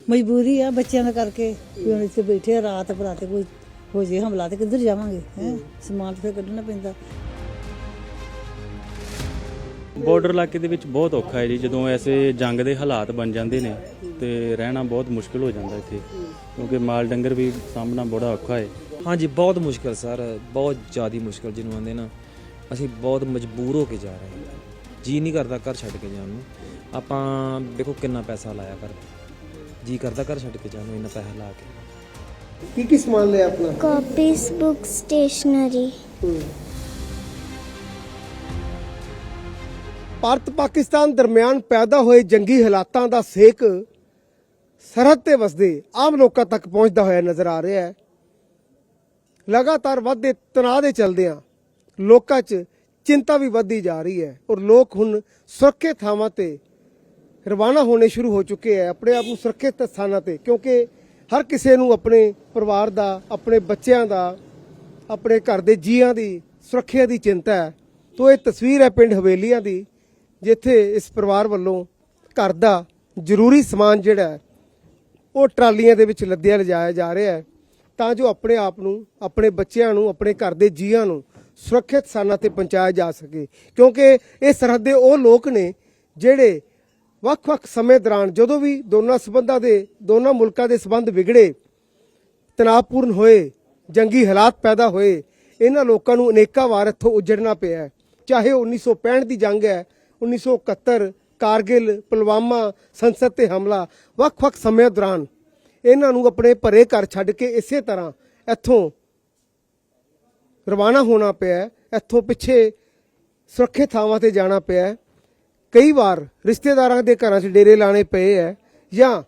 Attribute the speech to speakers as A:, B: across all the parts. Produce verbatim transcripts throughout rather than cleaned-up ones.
A: मजबूरी है बच्चों का करके भी हम इतने बैठे रात बराते कोई हो जाए हमला तो किधर जावांगे हैं समान तो फिर कढ़ना पैंदा।
B: ਬਾਰਡਰ ਇਲਾਕੇ ਦੇ ਵਿੱਚ ਬਹੁਤ ਔਖਾ ਹੈ ਜੀ ਜਦੋਂ ਐਸੇ ਜੰਗ ਦੇ ਹਾਲਾਤ ਬਣ ਜਾਂਦੇ ਨੇ ਤੇ ਰਹਿਣਾ ਬਹੁਤ ਮੁਸ਼ਕਿਲ ਹੋ ਜਾਂਦਾ ਇੱਥੇ ਕਿਉਂਕਿ ਮਾਲ ਡੰਗਰ ਵੀ ਸਾਹਮਣਾ ਬੜਾ ਔਖਾ ਹੈ।
C: ਹਾਂਜੀ ਬਹੁਤ ਮੁਸ਼ਕਿਲ ਸਰ, ਬਹੁਤ ਜ਼ਿਆਦਾ ਮੁਸ਼ਕਿਲ ਜਿਹਨੂੰ ਆਂਦੇ ਨਾ, ਅਸੀਂ ਬਹੁਤ ਮਜਬੂਰ ਹੋ ਕੇ ਜਾ ਰਹੇ ਹਾਂ। ਜੀ ਨਹੀਂ ਕਰਦਾ ਘਰ ਛੱਡ ਕੇ ਜਾਣ ਨੂੰ। ਆਪਾਂ ਦੇਖੋ ਕਿੰਨਾ ਪੈਸਾ ਲਾਇਆ ਕਰ, ਜੀ ਕਰਦਾ ਘਰ ਛੱਡ ਕੇ ਜਾਣ ਨੂੰ ਇੰਨਾ ਪੈਸਾ ਲਾ ਕੇ।
D: ਕੀ ਕੀ ਸਮਾਨ ਲਿਆ ਆਪਣਾ?
E: Copies, book, stationery.
D: Bharat Pakistan ਦਰਮਿਆਨ ਪੈਦਾ ਹੋਏ ਜੰਗੀ ਹਾਲਾਤਾਂ ਦਾ ਸੇਕ ਸਰਹੱਦ ਤੇ ਵਸਦੇ ਆਮ ਲੋਕਾਂ ਤੱਕ ਪਹੁੰਚਦਾ ਹੋਇਆ ਨਜ਼ਰ ਆ ਰਿਹਾ ਹੈ। ਲਗਾਤਾਰ ਵੱਧਦੇ ਤਣਾਅ ਦੇ ਚਲਦਿਆਂ ਲੋਕਾਂ 'ਚ ਚਿੰਤਾ ਵੀ ਵੱਧਦੀ ਜਾ ਰਹੀ ਹੈ ਔਰ ਲੋਕ ਹੁਣ ਸੁਰੱਖਿਅਤ ਥਾਵਾਂ ਤੇ ਰਵਾਨਾ ਹੋਣੇ ਸ਼ੁਰੂ ਹੋ ਚੁੱਕੇ ਹੈ, ਆਪਣੇ ਆਪ ਨੂੰ ਸੁਰੱਖਿਅਤ ਸਥਾਨਾਂ ਤੇ, ਕਿਉਂਕਿ ਹਰ ਕਿਸੇ ਨੂੰ ਆਪਣੇ ਪਰਿਵਾਰ ਦਾ, ਆਪਣੇ ਬੱਚਿਆਂ ਦਾ, ਆਪਣੇ ਘਰ ਦੇ ਜੀਆਂ ਦੀ ਸੁਰੱਖਿਆ ਦੀ ਚਿੰਤਾ ਹੈ। ਤੋ ਇਹ ਤਸਵੀਰ ਹੈ ਪਿੰਡ ਹਵੇਲੀਆਂ ਦੀ, ਜਿੱਥੇ ਇਸ ਪਰਿਵਾਰ ਵੱਲੋਂ ਘਰ ਦਾ ਜ਼ਰੂਰੀ ਸਮਾਨ ਜਿਹੜਾ ਉਹ ਟਰਾਲੀਆਂ ਦੇ ਵਿੱਚ ਲੱਦਿਆ ਲਿਜਾਇਆ ਜਾ ਰਿਹਾ ਹੈ ਤਾਂ ਜੋ ਆਪਣੇ ਆਪ ਨੂੰ, ਆਪਣੇ ਬੱਚਿਆਂ ਨੂੰ, ਆਪਣੇ ਘਰ ਦੇ ਜੀਆਂ ਨੂੰ ਸੁਰੱਖਿਅਤ ਸਥਾਨਾਂ ਤੇ ਪਹੁੰਚਾਇਆ ਜਾ ਸਕੇ, ਕਿਉਂਕਿ ਇਹ ਸਰਹੱਦ ਦੇ ਉਹ ਲੋਕ ਨੇ ਜਿਹੜੇ ਵੱਖ-ਵੱਖ ਸਮੇਂ ਦੌਰਾਨ ਜਦੋਂ ਵੀ ਦੋਨਾਂ ਸਬੰਧਾਂ ਦੇ ਦੋਨਾਂ ਮੁਲਕਾਂ ਦੇ ਸਬੰਧ ਵਿਗੜੇ, ਤਣਾਅਪੂਰਨ ਹੋਏ, ਜੰਗੀ ਹਾਲਾਤ ਪੈਦਾ ਹੋਏ, ਇਹਨਾਂ ਲੋਕਾਂ ਨੂੰ ਅਨੇਕਾਂ ਵਾਰ ਇੱਥੋਂ ਉੱਜੜਨਾ ਪਿਆ ਹੈ। ਚਾਹੇ ਉਹ ਉੱਨੀ ਸੌ ਪੈਂਹਠ ਦੀ ਜੰਗ ਹੈ, ਉੱਨੀ ਸੌ ਇਕਹੱਤਰ, ਕਾਰਗਿਲ, ਪੁਲਵਾਮਾ, ਸੰਸਦ ਤੇ ਹਮਲਾ, ਵੱਖ-ਵੱਖ ਸਮਿਆਂ ਦੌਰਾਨ ਇਹਨਾਂ ਨੂੰ ਆਪਣੇ ਭਰੇ ਘਰ ਛੱਡ ਕੇ ਇਸੇ ਤਰ੍ਹਾਂ ਇੱਥੋਂ ਰਵਾਨਾ ਹੋਣਾ ਪਿਆ, ਇੱਥੋਂ ਪਿੱਛੇ ਸੁਰੱਖਿਅਤ ਥਾਵਾਂ ਤੇ ਜਾਣਾ ਪਿਆ। ਕਈ ਵਾਰ ਰਿਸ਼ਤੇਦਾਰਾਂ ਦੇ ਘਰਾਂ 'ਚ ਡੇਰੇ ਲਾਣੇ ਪਏ ਹੈ ਜਾਂ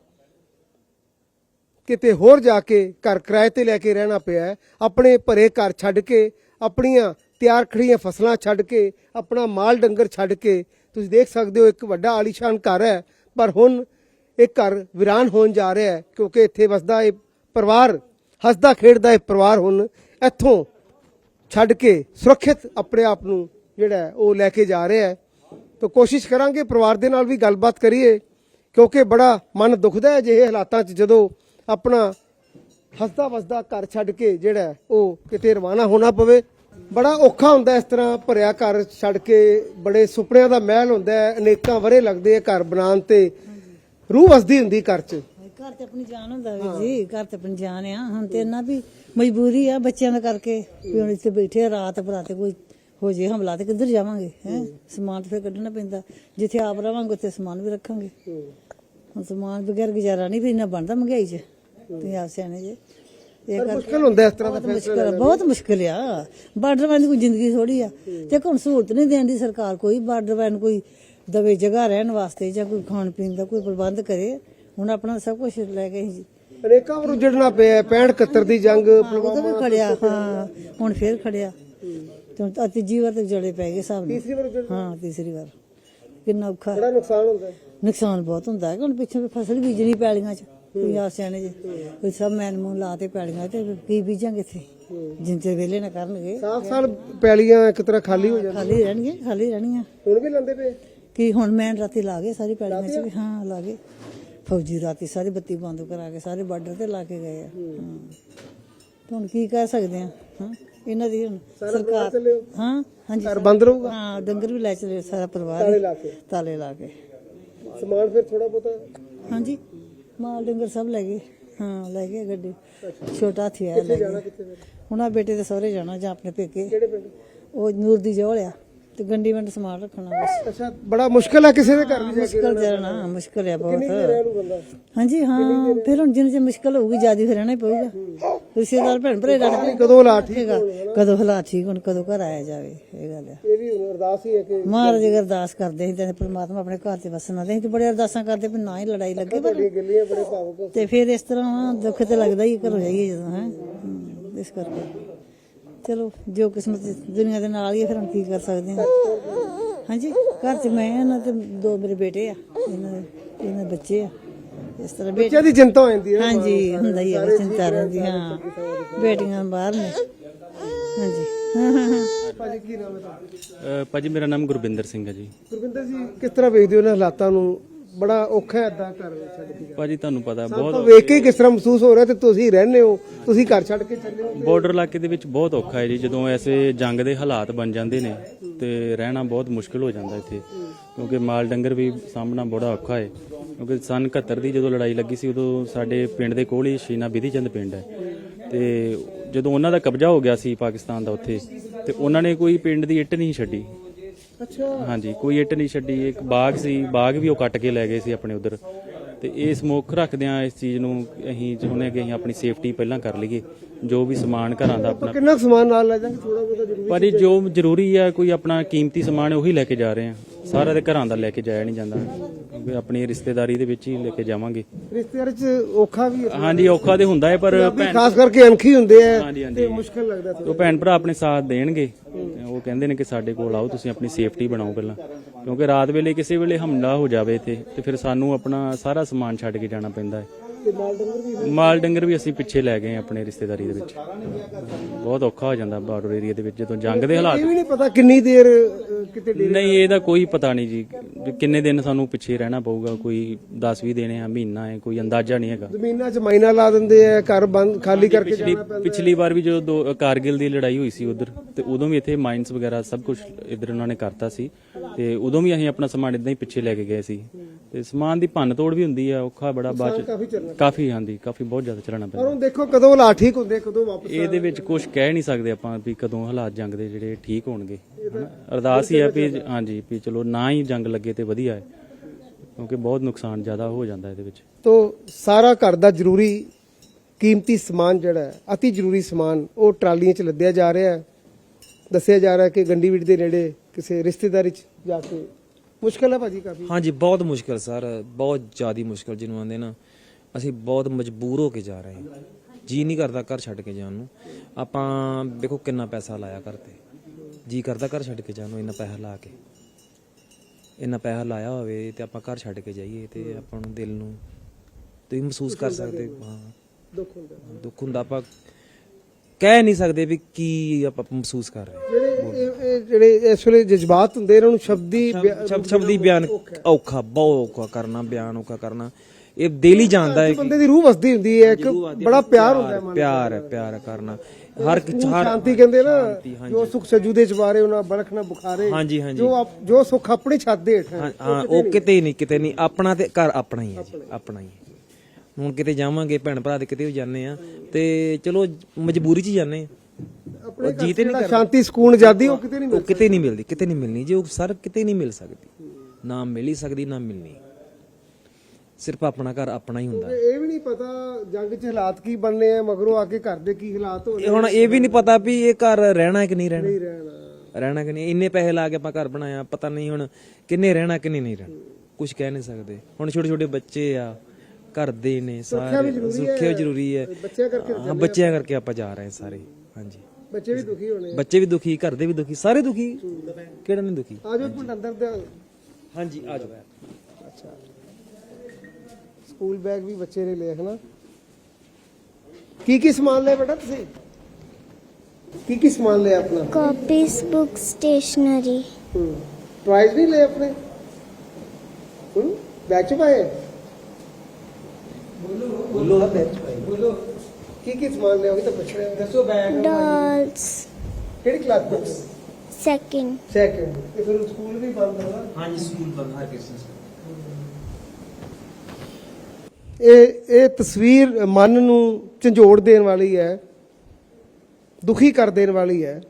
D: ਕਿਤੇ ਹੋਰ ਜਾ ਕੇ ਘਰ ਕਿਰਾਏ ਤੇ ਲੈ ਕੇ ਰਹਿਣਾ ਪਿਆ। ਆਪਣੇ ਭਰੇ ਘਰ ਛੱਡ ਕੇ, ਆਪਣੀਆਂ ਤਿਆਰ ਖੜੀਆਂ ਫਸਲਾਂ ਛੱਡ ਕੇ, ਆਪਣਾ ਮਾਲ ਡੰਗਰ ਛੱਡ ਕੇ, ਤੁਸੀਂ ਦੇਖ ਸਕਦੇ ਹੋ ਇੱਕ ਵੱਡਾ ਆਲੀਸ਼ਾਨ ਘਰ ਹੈ, ਪਰ ਹੁਣ ਇਹ ਘਰ ਵੀਰਾਨ ਹੋਣ ਜਾ ਰਿਹਾ ਹੈ ਕਿਉਂਕਿ ਇੱਥੇ ਵਸਦਾ ਇਹ ਪਰਿਵਾਰ, ਹੱਸਦਾ ਖੇਡਦਾ ਇਹ ਪਰਿਵਾਰ ਹੁਣ ਇੱਥੋਂ ਛੱਡ ਕੇ ਸੁਰੱਖਿਅਤ ਆਪਣੇ ਆਪ ਨੂੰ ਜਿਹੜਾ ਉਹ ਲੈ ਕੇ ਜਾ ਰਿਹਾ ਹੈ। ਤਾਂ ਕੋਸ਼ਿਸ਼ ਕਰਾਂਗੇ ਪਰਿਵਾਰ ਦੇ ਨਾਲ ਵੀ ਗੱਲਬਾਤ ਕਰੀਏ ਕਿਉਂਕਿ ਬੜਾ ਮਨ ਦੁਖਦਾ ਹੈ ਅਜਿਹੇ ਹਾਲਾਤਾਂ 'ਚ ਜਦੋਂ ਆਪਣਾ ਹੱਸਦਾ ਵਸਦਾ ਘਰ ਛੱਡ ਕੇ ਜਿਹੜਾ ਉਹ ਕਿਤੇ ਰਵਾਨਾ ਹੋਣਾ ਪਵੇ। ਬੜਾ ਔਖਾ ਹੁੰਦਾ ਇਸ ਤਰ੍ਹਾਂ ਭਰਿਆ ਘਰ ਛੱਡ ਕੇ, ਬੜੇ ਸੁਪਨਿਆਂ ਦਾ ਮਹਿਲ ਹੁੰਦਾ ਹੈ, ਅਨੇਕਾਂ ਵਰੇ ਲੱਗਦੇ ਆ ਘਰ ਬਣਾਉਣ ਤੇ, ਰੂਹ ਵਸਦੀ ਹੁੰਦੀ ਘਰ 'ਚ।
A: घर तो अपनी जान होंदा वी जी, घर तो अपनी जान है। हम तो इन्ना भी मजबूरी है बच्चों का करके भी हम इतने बैठे रात बराते कोई हो जाए हमला तो किधर जावांगे हैं समान तो फिर कढ़ना पैंदा। जिथे आप रवांगे उत्थे समान भी रखांगे। हम समान बगैर गुजारा नहीं भी इन्ना बनता महंगाई च। तुसीं आप सियाणे जे
D: मुश्किल ਹੁੰਦਾ ਇਸ ਤਰ੍ਹਾਂ ਦਾ
A: मुश्किल है, बहुत मुश्किल आ। बार्डर वाली कोई जिंदगी थोड़ी आ ते हुण सहूलत नहीं देंदी सरकार, कोई बार्डर वाले कोई दवे जगह रहने वास्ते या कोई खाण पीण का कोई प्रबंध करे। ਹੁਣ ਆਪਣਾ ਸਭ ਕੁਝ ਲੈ ਗਏ ਜੀ,
D: ਅਨੇਕਾਂ ਵਾਰ ਉੱਜੜਨਾ ਪਿਆ। ਪੈਂਹਠ ਇਕਹੱਤਰ ਦੀ ਜੰਗ
A: ਉਦੋਂ ਵੀ ਖੜਿਆ, ਹਾਂ ਹੁਣ ਫੇਰ ਖੜਿਆ ਤੇ ਤੀਜੀ ਵਾਰ ਤੇ ਜੜੇ ਪੈ ਗਏ ਸਾਹਿਬ
D: ਤੀਸਰੀ ਵਾਰ ਉੱਜੜ,
A: ਹਾਂ ਤੀਸਰੀ ਵਾਰ। ਕਿੰਨਾ ਔਖਾ,
D: ਬੜਾ ਨੁਕਸਾਨ ਹੁੰਦਾ ਹੈ।
A: ਨੁਕਸਾਨ ਬਹੁਤ ਹੁੰਦਾ ਹੈ। ਹੁਣ ਪਿੱਛੇ ਫਸਲ ਬੀਜਣੀ ਪੈਲੀਆਂ 'ਚ, ਕੋਈ ਆਸਿਆਣੇ ਜੇ ਕੋਈ ਸਭ ਮੈਨ ਮੂਨ ਲਾ ਤੇ ਪੈਲੀਆਂ ਤੇ ਕੀ ਬੀਜਾਂਗੇ ਇੱਥੇ ਜਿੰਨੇ ਵੇਲੇ ਨਾ ਕਰਨਗੇ।
D: ਸਾਲ ਸਾਲ ਪੈਲੀਆਂ ਇੱਕ ਤਰ੍ਹਾਂ ਖਾਲੀ ਹੋ ਜਾਂਦੀਆਂ,
A: ਖਾਲੀ ਰਹਿਣਗੇ, ਖਾਲੀ ਰਹਿਣੀਆਂ।
D: ਹੁਣ ਵੀ ਲੰਦੇ ਪਏ
A: ਕੀ ਹੁਣ ਮੈਂ ਰਾਤੀ ਲਾ ਗਏ ਸਾਰੀ ਪੈਲੀਆਂ 'ਚ ਵੀ, ਹਾਂ ਲਾ ਗਏ ਫੌਜੀ ਰਾਤੀ ਸਾਰੀ ਬੱਤੀ ਬੰਦ ਕਰਾ ਕੇ ਸਾਰੇ ਬਾਰਡਰ ਤੇ ਲਾ ਕੇ ਗਏ ਆ। ਹੁਣ ਕੀ ਕਹਿ ਸਕਦੇ ਆ, ਹਾਂ ਇਹਨਾਂ ਦੀ ਹੁਣ ਸਰਕਾਰ, ਹਾਂ ਹਾਂਜੀ
D: ਘਰ ਬੰਦ ਰਹੂਗਾ,
A: ਹਾਂ ਡੰਗਰ ਵੀ ਲੈ ਚਲੇ ਸਾਰਾ ਪਰਿਵਾਰ
D: ਤਾਲੇ ਲਾ ਕੇ,
A: ਤਾਲੇ ਲਾ ਕੇ।
D: ਸਮਾਨ ਫਿਰ ਥੋੜਾ ਬਹੁਤਾ
A: ਹਾਂਜੀ ਮਾਲ ਡੰਗਰ ਸਭ ਲੈ ਗਏ, ਹਾਂ ਲੈ ਗਏ ਗੱਡੀ, ਛੋਟਾ ਹਾਥੀ ਆਇਆ ਲੈ ਗਏ। ਹੁਣ ਆ ਬੇਟੇ ਦੇ ਸਹੁਰੇ ਜਾਣਾ ਜਾਂ ਆਪਣੇ ਪੇਕੇ,
D: ਕਿਹੜੇ ਪਿੰਡ?
A: ਉਹ ਨੂਰ ਦੀ ਜੋਲ ਆ ਤੇ ਗੰਡੀ ਵੰਡ ਸਮਾਨ ਰੱਖਣਾ ਬਸ।
D: ਅੱਛਾ, ਬੜਾ ਮੁਸ਼ਕਿਲ ਹੈ ਕਿਸੇ ਦੇ ਘਰ ਵੀ ਜਾ ਕੇ
A: ਮੁਸ਼ਕਿਲ ਜਾਣਾ, ਮੁਸ਼ਕਿਲ ਆ ਬਹੁਤ।
D: ਰਹਿਣੂ ਬੰਦਾ,
A: ਹਾਂਜੀ ਹਾਂ ਫਿਰ ਹੁਣ ਜਿੰਨੇ ਚ ਮੁਸ਼ਕਿਲ ਹੋਊਗੀ ਜਿਆਦਾ ਫਿਰ ਰਹਿਣਾ ਹੀ ਪਊਗਾ। ਰਿਸ਼ਤੇਦਾਰ ਭੈਣ ਭਰੇ ਰਹਿਣਾ
D: ਕਦੋਂ ਹਾਲਾਤ ਠੀਕ
A: ਹੈਗਾ, ਕਦੋਂ ਹਾਲਾਤ ਠੀਕ ਹੁਣ, ਕਦੋਂ ਘਰ ਆਇਆ ਜਾਵੇ। ਇਹ ਗੱਲ ਆ,
D: ਇਹ ਵੀ ਹੁਣ ਅਰਦਾਸ ਹੀ ਹੈ ਕਿ
A: ਮਹਾਰਾਜ ਅਗਰ ਅਰਦਾਸ ਕਰਦੇ ਸੀ ਤੇ ਪ੍ਰਮਾਤਮਾ ਆਪਣੇ ਘਰ ਤੇ ਵਸਣਾ ਦੇ, ਅਸੀਂ ਤੇ ਬੜੇ ਅਰਦਾਸਾਂ ਕਰਦੇ ਵੀ ਨਾ ਹੀ ਲੜਾਈ ਲੱਗੇ। ਪਰ
D: ਗੱਲੀਆਂ ਬੜੇ ਭਾਵੁਕ,
A: ਤੇ ਫਿਰ ਇਸ ਤਰ੍ਹਾਂ ਦੁੱਖ ਤੇ ਲੱਗਦਾ ਹੀ ਘਰੋਂ ਜਾਈਏ ਜਦੋਂ, ਹੈ ਇਸ ਕਰਕੇ ਚਲੋ ਜੋ ਕਿਸਮਤ ਦੁਨੀਆ ਦੇ ਨਾਲ ਹੀ ਹੈ, ਫਿਰ ਹੁਣ ਕੀ ਕਰ ਸਕਦੇ ਹਾਂ। ਹਾਂਜੀ ਘਰ 'ਚ ਮੈਂ ਇਹਨਾਂ ਤੇ ਦੋ ਮੇਰੇ ਬੇਟੇ ਆ, ਇਹਨਾਂ ਦੇ ਇਹਨਾਂ ਦੇ ਬੱਚੇ ਆ। ਇਸ ਤਰ੍ਹਾਂ
D: ਬੱਚਿਆਂ ਦੀ ਚਿੰਤਾ ਹੋ ਜਾਂਦੀ ਹੈ।
A: ਹਾਂਜੀ ਹੁੰਦਾ ਹੀ ਹੈ, ਚਿੰਤਾ ਰਹਿੰਦੀ, ਹਾਂ ਬੇਟੀਆਂ ਬਾਹਰ ਨੇ। ਹਾਂਜੀ ਹਾਂ ਹਾਂ ਹਾਂ
D: ਭਾਜੀ ਕੀ ਨਾਮ ਹੈ ਤੁਹਾਡਾ?
B: ਅ, ਭਾਜੀ ਮੇਰਾ ਨਾਮ ਗੁਰਬਿੰਦਰ ਸਿੰਘ ਹੈ ਜੀ।
D: ਗੁਰਵਿੰਦਰ ਜੀ, ਕਿਸ ਤਰ੍ਹਾਂ ਵੇਖਦੇ ਹੋ ਇਹਨਾਂ ਹਾਲਾਤਾਂ ਨੂੰ? ਬੜਾ ਔਖਾ ਹੈ ਏਦਾਂ ਘਰ ਛੱਡ ਕੇ ਜਾਣਾ।
B: ਭਾਜੀ ਤੁਹਾਨੂੰ ਪਤਾ
D: ਸਾਨੂੰ
B: ਬਹੁਤ
D: ਤਾਂ ਵੇਖ ਕੇ ਹੀ ਕਿਸ ਤਰ੍ਹਾਂ ਮਹਿਸੂਸ ਹੋ ਰਿਹਾ ਤੇ ਤੁਸੀਂ ਰਹਿੰਦੇ ਹੋ, ਤੁਸੀਂ ਘਰ ਛੱਡ ਕੇ ਚੱਲੇ ਹੋ।
B: ਬਾਰਡਰ ਇਲਾਕੇ ਦੇ ਵਿੱਚ ਬਹੁਤ ਔਖਾ ਹੈ ਜੀ ਜਦੋਂ ਐਸੇ ਜੰਗ ਦੇ ਹਾਲਾਤ ਬਣ ਜਾਂਦੇ ਨੇ ਤੇ ਰਹਿਣਾ ਬਹੁਤ ਮੁਸ਼ਕਲ ਹੋ ਜਾਂਦਾ ਇੱਥੇ, ਕਿਉਂਕਿ ਮਾਲ ਡੰਗਰ ਵੀ ਸਾਹਮਣਾ ਬੜਾ ਔਖਾ ਹੈ। ਕਿਉਂਕਿ ਸਨ ਇਕਹੱਤਰ ਦੀ ਜਦੋਂ ਲੜਾਈ ਲੱਗੀ ਸੀ ਉਦੋਂ ਸਾਡੇ ਪਿੰਡ ਦੇ ਕੋਲ ਹੀ ਸ਼ੀਨਾ ਬਿਧੀ ਚੰਦ ਪਿੰਡ ਹੈ, ਤੇ ਜਦੋਂ ਉਹਨਾਂ ਦਾ ਕਬਜ਼ਾ ਹੋ ਗਿਆ ਸੀ ਪਾਕਿਸਤਾਨ ਦਾ ਉੱਥੇ, ਤੇ ਉਹਨਾਂ ਨੇ ਕੋਈ ਪਿੰਡ ਦੀ ਇੱਟ ਨਹੀਂ ਛੱਡੀ।
D: ਅੱਛਾ,
B: ਹਾਂਜੀ, ਕੋਈ ਇੱਟ ਨਹੀਂ ਛੱਡੀ। ਇੱਕ ਬਾਗ ਸੀ, ਬਾਗ ਵੀ ਉਹ ਕੱਟ ਕੇ ਲੈ ਗਏ ਸੀ ਆਪਣੇ ਉਧਰ। ਤੇ ਇਹ ਸਮੁੱਖ ਰੱਖਦਿਆਂ ਇਸ ਚੀਜ਼ ਨੂੰ ਅਸੀਂ ਚਾਹੁੰਦੇ ਹਾਂ ਕਿ ਅਸੀਂ ਆਪਣੀ ਸੇਫਟੀ ਪਹਿਲਾਂ ਕਰ ਲਈਏ। ਜੋ ਵੀ ਸਮਾਨ ਘਰਾਂ ਦਾ ਆਪਣਾ,
D: ਕਿੰਨਾ ਕੁ ਸਮਾਨ ਨਾਲ ਲੈ ਜਾਵਾਂਗੇ? ਥੋੜਾ ਬਹੁਤਾ ਜ਼ਰੂਰੀ।
B: ਪਰ ਇਹ ਜੋ ਜ਼ਰੂਰੀ ਹੈ, ਕੋਈ ਆਪਣਾ ਕੀਮਤੀ ਸਮਾਨ ਹੈ ਉਹੀ ਲੈ ਕੇ ਜਾ ਰਹੇ ਹਾਂ। ਸਾਰਾ ਦੇ ਘਰਾਂ ਦਾ ਲੈ ਕੇ ਜਾਇਆ ਨਹੀਂ ਜਾਂਦਾ, ਕਿਉਂਕਿ ਆਪਣੀ ਰਿਸ਼ਤੇਦਾਰੀ ਦੇ ਵਿੱਚ ਹੀ ਲੈ ਕੇ ਜਾਵਾਂਗੇ।
D: ਰਿਸ਼ਤੇਦਾਰ ਚ ਔਖਾ ਵੀ ਹੈ,
B: ਹਾਂਜੀ, ਔਖਾ ਤੇ ਹੁੰਦਾ ਹੈ, ਪਰ ਭੈਣ
D: ਖਾਸ ਕਰਕੇ ਅਣਖੀ ਹੁੰਦੇ ਆ
B: ਹਾਂਜੀ ਹਾਂਜੀ
D: ਤੇ ਮੁਸ਼ਕਲ ਲੱਗਦਾ ਥੋੜ੍ਹਾ।
B: ਉਹ ਭੈਣ ਭਰਾ ਆਪਣੇ ਸਾਥ ਦੇਣਗੇ। ਉਹ ਕਹਿੰਦੇ ਨੇ ਕਿ ਸਾਡੇ ਕੋਲ ਆਓ, ਤੁਸੀਂ ਆਪਣੀ ਸੇਫਟੀ ਬਣਾਓ ਪਹਿਲਾਂ, ਕਿਉਂਕਿ ਰਾਤ ਵੇਲੇ ਕਿਸੇ ਵੇਲੇ ਹਮਲਾ ਹੋ ਜਾਵੇ ਇੱਥੇ ਤੇ ਫਿਰ ਸਾਨੂੰ ਆਪਣਾ ਸਾਰਾ ਸਮਾਨ ਛੱਡ ਕੇ ਜਾਣਾ ਪੈਂਦਾ ਹੈ।
D: ਤੇ ਮਾਲ ਡੰਗਰ ਵੀ
B: ਮਾਲ ਡੰਗਰ ਵੀ ਅਸੀਂ ਪਿੱਛੇ ਲੈ ਗਏ ਆਪਣੇ ਰਿਸ਼ਤੇਦਾਰੀ ਦੇ ਵਿੱਚ। ਬਹੁਤ ਔਖਾ ਹੋ ਜਾਂਦਾ ਬਾਰਡਰ ਏਰੀਆ ਦੇ ਵਿੱਚ ਜਦੋਂ ਜੰਗ ਦੇ ਹਾਲਾਤ।
D: ਇਹ ਵੀ ਨਹੀਂ ਪਤਾ ਕਿੰਨੀ ਦੇਰ ਅਹ, ਕਿਤੇ ਡੇਰੇ।
B: ਨਹੀਂ, ਇਹਦਾ ਕੋਈ ਪਤਾ ਨਹੀਂ ਜੀ, ਵੀ ਕਿੰਨੇ ਦਿਨ ਸਾਨੂੰ ਪਿੱਛੇ ਰਹਿਣਾ ਪਊਗਾ। ਕੋਈ ਦਸ ਵੀਹ ਦਿਨ ਆ, ਮਹੀਨਾ ਹੈ, ਕੋਈ ਅੰਦਾਜ਼ਾ ਨਹੀਂ ਹੈਗਾ।
D: ਜ਼ਮੀਨਾਂ 'ਚ ਮਾਈਨਾ ਲਾ ਦਿੰਦੇ ਆ, ਘਰ ਬੰਦ ਖਾਲੀ ਕਰਕੇ
B: ਪਿਛਲੀ
D: ਜਾਣਾ ਪੈਂਦਾ।
B: ਪਿਛਲੀ ਵਾਰ ਵੀ ਜਦੋਂ ਦੋ- ਕਾਰਗਿਲ ਦੀ ਲੜਾਈ ਹੋਈ ਸੀ ਉਧਰ, ਤੇ ਉਦੋਂ ਵੀ ਇੱਥੇ ਮਾਈਨਸ ਵਗੈਰਾ ਸਭ ਕੁਝ ਇੱਧਰ ਉਹਨਾਂ ਨੇ ਕਰਤਾ ਸੀ, ਤੇ ਉਦੋਂ ਵੀ ਅਸੀਂ ਆਪਣਾ ਸਮਾਨ ਇਦਾਂ ਹੀ ਪਿੱਛੇ ਲੈ ਕੇ ਗਏ ਸੀ। ਤੇ ਸਮਾਨ ਦੀ ਭੰਨ ਤੋੜ ਵੀ ਹੁੰਦੀ ਆ, ਔਖਾ ਬੜਾ ਬਾਅਦ
D: ਕਾਫੀ
B: ਚ
D: ਚੱਲਣਾ।
B: ਕਾਫੀ, ਹਾਂਜੀ ਕਾਫੀ ਬਹੁਤ ਜ਼ਿਆਦਾ ਚਲਾਉਣਾ
D: ਪਰ
B: ਪੈਂਦਾ।
D: ਹੁਣ ਦੇਖੋ ਕਦੋਂ ਹਾਲਾਤ ਠੀਕ ਹੁੰਦੇ, ਕਦੋਂ ਵਾਪਸ।
B: ਇਹਦੇ ਵਿੱਚ ਕੁਝ ਕਹਿ ਨਹੀਂ ਸਕਦੇ ਆਪਾਂ ਵੀ ਕਦੋਂ ਹਾਲਾਤ ਜੰਗ ਦੇ ਜਿਹੜੇ ਠੀਕ ਹੋਣਗੇ। ਹਨਾ? ਅਰਦਾਸ ਹੀ ਹੈ ਵੀ ਹਾਂਜੀ ਵੀ ਚਲੋ ਨਾ ਹੀ ਜੰਗ ਲੱਗੇ ਤੇ ਵਧੀਆ ਹੈ, ਕਿਉਂਕਿ ਬਹੁਤ ਨੁਕਸਾਨ ਜ਼ਿਆਦਾ ਹੋ ਜਾਂਦਾ ਇਹਦੇ ਵਿੱਚ।
D: ਤੋ ਸਾਰਾ ਘਰ ਦਾ ਜ਼ਰੂਰੀ ਕੀਮਤੀ ਸਮਾਨ ਜਿਹੜਾ ਹੈ, ਅਤੀ ਜ਼ਰੂਰੀ ਸਮਾਨ, ਉਹ ਟਰਾਲੀਆਂ 'ਚ ਲੱਦਿਆ ਜਾ ਰਿਹਾ ਹੈ। ਦੱਸਿਆ ਜਾ ਰਿਹਾ ਕਿ ਗੰਡੀਵਿੰਡ ਦੇ ਨੇੜੇ ਕਿਸੇ ਰਿਸ਼ਤੇਦਾਰੀ 'ਚ ਜਾ ਕੇ ਮੁਸ਼ਕਲ ਹੈ ਭਾਜੀ ਕਾਫੀ।
C: ਹਾਂਜੀ, ਬਹੁਤ ਮੁਸ਼ਕਲ ਸਰ, ਬਹੁਤ ਜ਼ਿਆਦੀ ਮੁਸ਼ਕਲ ਜਿਹਨੂੰ ਆਂਦੇ ਨਾ। ਅਸੀਂ ਬਹੁਤ ਮਜਬੂਰ ਹੋ ਕੇ ਜਾ ਰਹੇ ਹਾਂ, ਜੀ ਨਹੀਂ ਕਰਦਾ ਘਰ ਛੱਡ ਕੇ ਜਾਣ ਨੂੰ। ਆਪਾਂ ਵੇਖੋ ਕਿੰਨਾ ਪੈਸਾ ਲਾਇਆ ਘਰ ਤੇ, ਜੀ ਕਰਦਾ ਘਰ ਛੱਡ ਕੇ ਜਾਣ ਨੂੰ। ਇੰਨਾ ਪੈਸਾ ਲਾ ਕੇ, ਇੰਨਾ ਪੈਸਾ ਲਾਇਆ ਹੋਵੇ ਤੇ ਆਪਾਂ ਘਰ ਛੱਡ ਕੇ ਜਾਈਏ ਤੇ ਆਪਾਂ ਨੂੰ ਦਿਲ ਨੂੰ ਤੁਸੀਂ ਮਹਿਸੂਸ ਕਰ ਸਕਦੇ। ਹਾਂ,
D: ਦੁੱਖ ਹੁੰਦਾ।
C: ਦੁੱਖ ਹੁੰਦਾ, ਆਪਾਂ ਕਹਿ ਨਹੀਂ ਸਕਦੇ ਵੀ ਕੀ ਆਪਾਂ ਮਹਿਸੂਸ ਕਰ ਰਹੇ ਹਾਂ।
D: ਜਿਹੜੇ ਇਹ- ਇਹ ਜਿਹੜੇ ਇਸ ਵੇਲੇ ਜਜ਼ਬਾਤ ਹੁੰਦੇ, ਇਹਨਾਂ ਨੂੰ ਸ਼ਬਦੀ ਬਿਆ-
C: ਸ਼ਬਦ ਸ਼ਬਦੀ ਬਿਆਨ ਔਖਾ, ਬਹੁਤ ਔਖਾ ਕਰਨਾ, ਬਿਆਨ ਔਖਾ ਕਰਨਾ। ਇਹ ਦਿਲ ਹੀ ਜਾਣਦਾ ਹੈ ਕਿ
D: ਬੰਦੇ ਦੀ ਰੂਹ ਵਸਦੀ ਹੁੰਦੀ ਹੈ, ਇੱਕ ਬੜਾ ਪਿਆਰ ਹੁੰਦਾ ਹੈ ਮਨ।
C: ਪਿਆਰ ਹੈ, ਪਿਆਰ ਕਰਨਾ ਹਰ ਇੱਕ ਹਰ
D: ਸ਼ਾਂਤੀ ਕਹਿੰਦੇ ਨਾ, ਜੋ ਸੁਖ ਸਜੂ ਦੇ ਚਵਾਰੇ ਉਹਨਾਂ ਬਲਖ ਨਾ ਬੁਖਾਰੇ।
C: ਹਾਂਜੀ ਹਾਂਜੀ
D: ਜੋ ਆਪ- ਜੋ ਸੁਖ ਆਪਣੀ ਛੱਤ ਦੇ ਹੇਠ ਹੈ,
C: ਹਾਂ ਹਾਂ, ਉਹ ਕਿਤੇ ਨਹੀਂ, ਕਿਤੇ ਨਹੀਂ। ਆਪਣਾ ਤੇ ਘਰ ਆਪਣਾ ਹੀ ਹੈ ਜੀ, ਆਪਣਾ ਹੀ ਹੈ। ਹੁਣ ਕਿਤੇ ਜਾਵਾਂਗੇ ਭੈਣ ਭਰਾ ਦੇ ਕਿਤੇ ਵੀ ਜਾਂਦੇ ਆ ਤੇ ਚਲੋ ਮਜਬੂਰੀ 'ਚ ਹੀ ਜਾਂਦੇ ਆ।
D: ਆਪਣੇ
C: ਜੀ ਤੇ ਨਹੀਂ
D: ਜਿਹੜਾ ਸ਼ਾਂਤੀ ਸਕੂਨ ਆਜ਼ਾਦੀ ਉਹ ਕਿਤੇ ਨਹੀਂ
C: ਉਹ ਕਿਤੇ ਨਹੀਂ ਮਿਲਦੀ, ਕਿਤੇ ਨਹੀਂ ਮਿਲਣੀ ਜੀ। ਉਹ ਸਰ ਕਿਤੇ ਨਹੀਂ ਮਿਲ ਸਕਦੀ, ਨਾ ਮਿਲ ਹੀ ਸਕਦੀ, ਨਾ ਮਿਲਣੀ। ਸਿਰਫ ਆਪਣਾ ਘਰ ਆਪਣਾ ਹੀ ਹੁੰਦਾ।
D: ਇਹ ਵੀ ਨਹੀਂ ਪਤਾ ਜੰਗ 'ਚ ਹਾਲਾਤ ਕੀ ਬਣਨੇ ਆ, ਮਗਰੋਂ ਆ ਕੇ ਘਰ ਦੇ ਕੀ ਹਾਲਾਤ ਹੋਣੇ।
C: ਇਹ ਹੁਣ ਇਹ ਵੀ ਨਹੀਂ ਪਤਾ ਵੀ ਇਹ ਘਰ ਰਹਿਣਾ ਕਿ ਨਹੀਂ ਰਹਿਣਾ,
D: ਰਹਿਣਾ
C: ਰਹਿਣਾ ਕਿ ਨਹੀਂ। ਇੰਨੇ ਪੈਸੇ ਲਾ ਕੇ ਆਪਾਂ ਘਰ ਬਣਾਇਆ, ਪਤਾ ਨਹੀਂ ਹੁਣ ਕਿੰਨੇ ਰਹਿਣਾ ਕਿੰਨੇ ਨਹੀਂ ਰਹਿਣਾ, ਕੁਝ ਕਹਿ ਨਹੀਂ ਸਕਦੇ। ਹੁਣ ਛੋਟੇ ਛੋਟੇ ਬੱਚੇ ਆ, ਘਰ ਦੇ ਨੇ ਸਾਰੇ, ਸੁਰੱਖਿਆ ਜ਼ਰੂਰੀ ਹੈ।
D: ਬੱਚਿਆਂ ਕਰਕੇ
C: ਹਾਂ, ਬੱਚਿਆਂ ਕਰਕੇ ਆਪਾਂ ਜਾ ਰਹੇ ਸਾਰੇ। ਹਾਂਜੀ,
D: ਬੱਚੇ ਵੀ ਦੁਖੀ ਹੋਣੇ।
C: ਬੱਚੇ ਵੀ ਦੁਖੀ, ਘਰ ਦੇ ਵੀ ਦੁਖੀ, ਸਾਰੇ ਦੁਖੀ, ਕਿਹੜਾ ਨਹੀਂ ਦੁਖੀ।
D: ਆ ਜਾਓ ਪਿੰਡ ਅੰਦਰ ਦੇ।
C: ਹਾਂਜੀ, ਆ ਜਾਓ।
D: ਅੱਛਾ, ਸਕੂਲ ਬੈਗ ਵੀ ਬੱਚੇ ਨੇ ਲਿਆ ਹੈ ਨਾ। ਕੀ ਕੀ ਸਮਾਨ ਲਿਆ ਬੇਟਾ ਤੁਸੀਂ? ਕੀ ਕੀ ਸਮਾਨ ਲਿਆ ਆਪਣਾ?
E: copies, books, stationery.
D: ਹੂੰ, ਟਰਾਈਜ਼ ਨਹੀਂ ਲਏ ਆਪਣੇ? ਹੂੰ, ਬੈਗ 'ਚ ਪਾਏ? ਬੋਲੋ ਬੋਲੋ ਬੈਗ 'ਚ ਪਾਏ। ਬੋਲੋ ਕੀ ਕੀ ਸਮਾਨ ਲਿਆ, ਉਹ ਵੀ ਤਾਂ ਪੁੱਛ ਰਹੇ ਹੋ। ਦੱਸੋ ਬੈਗ।
E: Dolls.
D: ਕਿਹੜੀ ਕਲਾਸ ਬੁੱਕਸ?
E: Second.
D: ਸੈਕਿੰਡ। ਇਹ ਫਿਰ ਸਕੂਲ ਵੀ ਬੰਦ ਹੋਣਾ।
C: ਹਾਂਜੀ, ਸਕੂਲ ਬੰਦ ਹਰ ਕਿਸੇ ਨੂੰ।
D: ਇਹ ਇਹ ਤਸਵੀਰ ਮਨ ਨੂੰ ਝੰਜੋੜ ਦੇਣ ਵਾਲੀ ਹੈ, ਦੁਖੀ ਕਰ ਦੇਣ ਵਾਲੀ ਹੈ।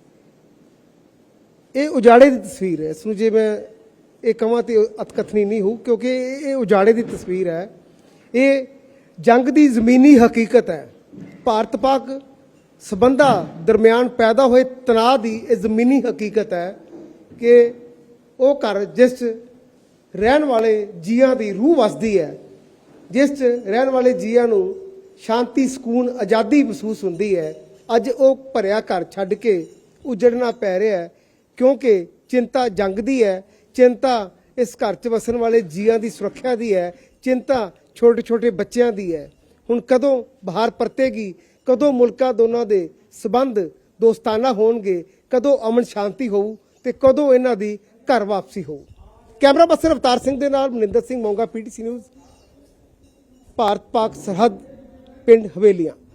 D: ਇਹ ਉਜਾੜੇ ਦੀ ਤਸਵੀਰ ਹੈ। ਇਸ ਨੂੰ ਜੇ ਮੈਂ ਇਹ ਕਹਾਂ ਤੇ ਅਤਕਥਨੀ ਨਹੀਂ ਹੋ, ਕਿਉਂਕਿ ਇਹ ਇਹ ਉਜਾੜੇ ਦੀ ਤਸਵੀਰ ਹੈ। ਇਹ ਜੰਗ ਦੀ ਜ਼ਮੀਨੀ ਹਕੀਕਤ ਹੈ। ਭਾਰਤ ਪਾਕ ਸਬੰਧਾਂ ਦਰਮਿਆਨ ਪੈਦਾ ਹੋਏ ਤਣਾਅ ਦੀ ਇਹ ਜ਼ਮੀਨੀ ਹਕੀਕਤ ਹੈ ਕਿ ਉਹ ਘਰ ਜਿਸ 'ਚ ਰਹਿਣ ਵਾਲੇ ਜੀਆਂ ਦੀ ਰੂਹ ਵਸਦੀ ਹੈ, ਜਿਸ 'ਚ ਰਹਿਣ ਵਾਲੇ ਜੀਆਂ ਨੂੰ ਸ਼ਾਂਤੀ, ਸਕੂਨ, ਆਜ਼ਾਦੀ ਮਹਿਸੂਸ ਹੁੰਦੀ ਹੈ, ਅੱਜ ਉਹ ਭਰਿਆ ਘਰ ਛੱਡ ਕੇ ਉਜੜਨਾ ਪੈ ਰਿਹਾ ਹੈ। ਕਿਉਂਕਿ ਚਿੰਤਾ ਜੰਗ ਦੀ ਹੈ, ਚਿੰਤਾ ਇਸ ਘਰ 'ਚ ਵਸਣ ਵਾਲੇ ਜੀਆਂ ਦੀ ਸੁਰੱਖਿਆ ਦੀ ਹੈ, ਚਿੰਤਾ ਛੋਟੇ ਛੋਟੇ ਬੱਚਿਆਂ ਦੀ ਹੈ। ਹੁਣ ਕਦੋਂ ਬਾਹਰ ਪਰਤੇਗੀ, ਕਦੋਂ ਮੁਲਕਾਂ ਦੋਨਾਂ ਦੇ ਸਬੰਧ ਦੋਸਤਾਨਾ ਹੋਣਗੇ, ਕਦੋਂ ਅਮਨ ਸ਼ਾਂਤੀ ਹੋਊ ਤੇ ਕਦੋਂ ਇਹਨਾਂ ਦੀ ਘਰ ਵਾਪਸੀ ਹੋਊ। ਕੈਮਰਾ ਪਰਸਨ ਅਵਤਾਰ ਸਿੰਘ ਦੇ ਨਾਲ ਮਨਿੰਦਰ ਸਿੰਘ ਮੋਂਗਾ, ਪੀਟੀਸੀ ਨਿਊਜ਼, ਭਾਰਤ ਪਾਕ ਸਰਹੱਦ, ਪਿੰਡ ਹਵੇਲੀਆਂ।